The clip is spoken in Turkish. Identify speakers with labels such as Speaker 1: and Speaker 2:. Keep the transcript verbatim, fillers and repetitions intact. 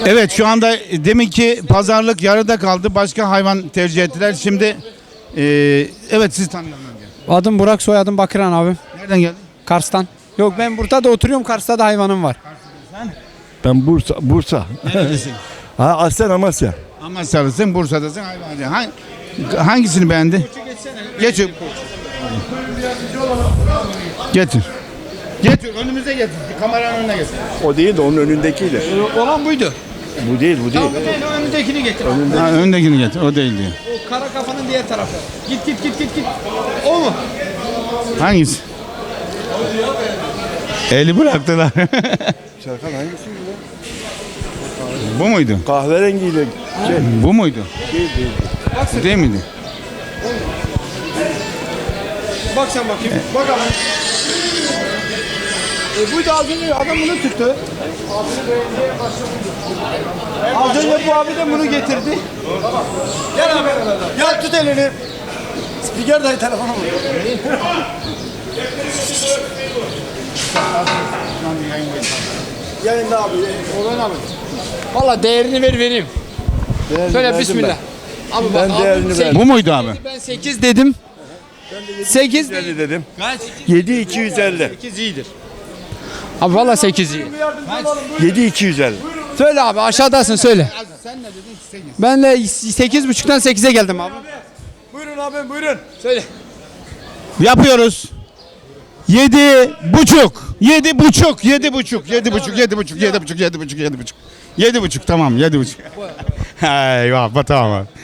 Speaker 1: Evet, şu anda demin ki pazarlık yarıda kaldı. Başka hayvan tercih ettiler. Şimdi e, evet, siz tanıyalım önce.
Speaker 2: Adım Burak, soyadım Bakıran abi.
Speaker 1: Nereden geldin?
Speaker 2: Kars'tan. Yok, ben burada da oturuyorum. Kars'ta da hayvanım var.
Speaker 3: Ben Bursa, Bursa.
Speaker 1: Neredesin?
Speaker 3: Ha, aslen Amasya.
Speaker 1: Amasyalısın, Bursa'dasın, hayvancı. Hangi, hangisini beğendi? Getir. Getir. Getir, önümüze getir. Kameranın önüne getir.
Speaker 3: O değil de onun önündekiydi.
Speaker 2: Olan buydu.
Speaker 3: Bu değil, bu değil.
Speaker 2: Tamam, değil, o önündekini getir.
Speaker 1: Ha, öndekini getir, o değil diyor.
Speaker 2: O kara kafanın diğer tarafı. Git git git git git. O mu?
Speaker 1: Hangisi? Eli bıraktılar.
Speaker 3: Serkan hangisi?
Speaker 1: Bu muydu?
Speaker 3: Kahverengiyle. Şey,
Speaker 1: Bu muydu?
Speaker 3: değil, değil.
Speaker 1: Bu değil miydi?
Speaker 2: Bak sen bakayım. Bak abi. E buydu, az önce adam bunu tuttu. Az önce bu abi de bunu getirdi. Gel abi. Gel tut elini. Spiker dayı telefonu vur. Yayında abi. Oradan abi. Valla değerini ver vereyim.
Speaker 3: Değerini
Speaker 2: Söyle
Speaker 3: verdim
Speaker 2: bismillah. Abi
Speaker 3: Ben
Speaker 2: bak,
Speaker 3: değerini
Speaker 2: abi,
Speaker 3: verdim.
Speaker 1: Bu muydu abi?
Speaker 2: Ben sekiz dedim. sekiz
Speaker 3: ben. elli dedim.
Speaker 2: Kaç?
Speaker 3: yedi iki yüz elli.
Speaker 2: sekiz iyidir. Abi valla sekiz iyi.
Speaker 3: yedi iki yüz elli.
Speaker 2: Söyle abi, aşağıdasın, söyle.
Speaker 1: Sen ne dedin? sekiz.
Speaker 2: Ben de sekiz buçuktan sekize geldim abi.
Speaker 3: Buyurun abi, buyurun.
Speaker 2: Söyle.
Speaker 1: Yapıyoruz. Yedi buçuk. Yedi buçuk. Yedi buçuk. Yedi buçuk. Yedi buçuk. Yedi buçuk. Yedi buçuk. Yedi buçuk. Yedi buçuk. Tamam. Yedi buçuk. Eyvah. Tamam.